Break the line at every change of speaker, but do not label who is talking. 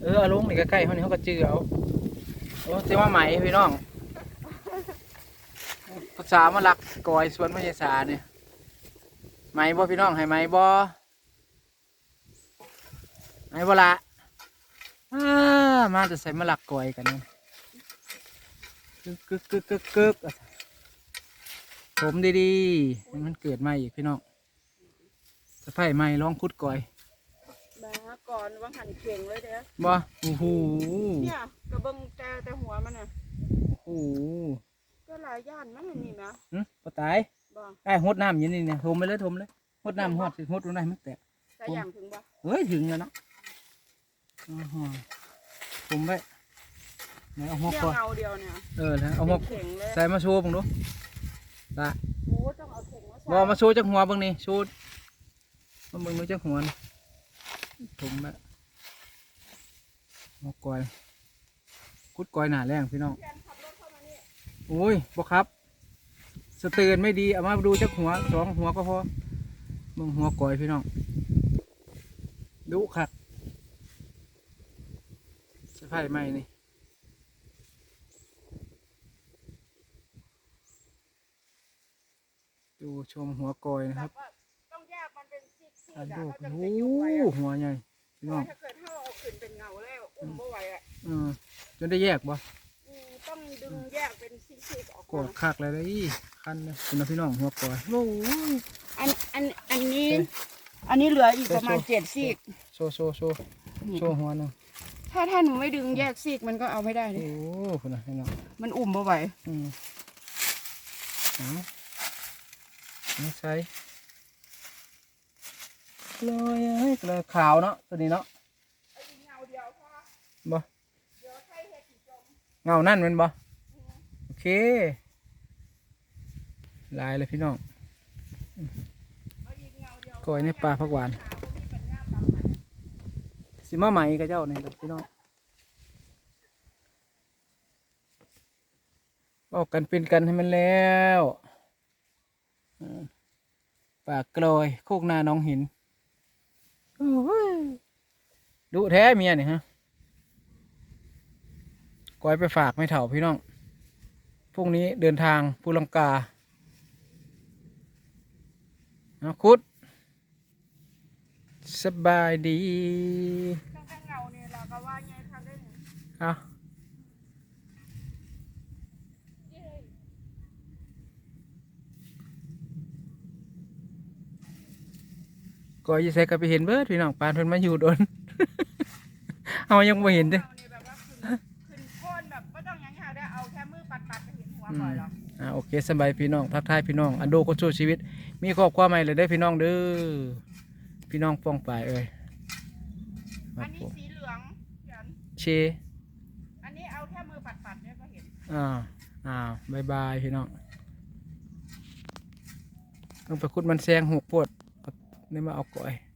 เอาลงนี่ใกล้ๆเขานี่เขาก็จื้อเอาโอ้เจ้าว่าไหมพี่น้องภาษามาลักกอยสวนพญาสาเนี่ยไหมบ่พี่น้องให้ไหมบ่ไหมบ่ละมาจะใส่มาลักกอยกันนี่กึกผมดีๆให้มันเกิดใหม่อีกพี่น้องสะไผ่ใหม่ลองคุดกอย
บ้าก่อนวางหันเข่งเลยเด้อ
บ่โอ้โห
เนี่ยกระเบื้องแต่หัวมันน่ะ
โอ้โห
ก็หลายย่านมันนี่นะ
ปะตายได้หดน้ำอย่างนี้เนี่ยทมไปเลยหดน้ำหดสิหดตรงไหนมันแตก
ใส่อย่างถึงบ่
เฮ้ยถึงแล้วเนาะผมไปไหนเอาหัวก่อน
เงาเดียวเนี่ย
แล้วเอาหัวใส่มาโชว์ผมดูละ
โอ้ต้องเอาถุงมาใส่
บอมาโชว์จากหัวบ้างนี่โชว์มาเบิ่งดูจากหัวผมไปหัวก่อยคุดก่อยหนาแรงพี่น้องโอ้ยบอกครับสเตือนไม่ดีเอามาดูจากหัว2 หัวก็พอเบิ่งหัวก่อยพี่น้องดุขัดสะพายไหมนี่ดูชมหัวก่อยนะครับ
ต้องแยกมันเป็นซี่ๆ
ดูหัวใหญ่พี่น้อง
ถ้าเกิดถ้าเอาขึ้นเป็นเงาแล้วอุ้มบ่ไหวอ่ะ
จนได้แยกบ่
ต้องดึงแยกเป็นซี่ๆออก
กดคักเลยได้คันเลยคุณพี่น้องหัวก่อยโอ้ย
อันนี้เหลืออีกประมาณ7 ซี่
โชว์หัวหนึ่ง
ถ้าหนูไม่ดึงแยกซี่มันก็เอาไม่ได้เลย
โอ้คุณพี่น้อง
มันอุ้มบ่ไหว
นี่ใส่เลยขาวเนาะตัวนี้เนาะบ่เงานั่นมันบ่โอเคลายเลยพี่น้องก้อยในปลาผักหวานสิมาใหม่กับเจ้าเนี่ยพี่น้องบอกกันเป็นกันให้มันแล้วปากกลอยโคกนาน้องหินดุแท้เมียเนี่ยฮะก้อยไปฝากไม่เถ่าพี่น้องพรุ่งนี้เดินทางภูลังกาคุดสบายดี
เงาเนี่ยเราก็ว่าไงทำได้
ก็ยิ่งใส่ก็ไปเห็นเบิดพี่น้องปานเพิ่นมาอยู่โดน เอายังไม่เห็นเด้
ขึ้นโคนแบบไม่ต้องยังได้เอาแค่มือปัดไปเห็นหัวก่อนหรอ
โอเคสบายพี่น้องทักทายพี่น้องอันโดก็สู้ชีวิตมีครอบครัวใหม่เลยได้พี่น้องเด้อพี่น้องป้องปลาย
อันนี้สีเหลือง
เช
อันนี้เอาแค่มือปัดเนี่ยก็เห็น
บายพี่น้องต้องไปคุดมันแซงหกปวดนี่มาเอาก่อย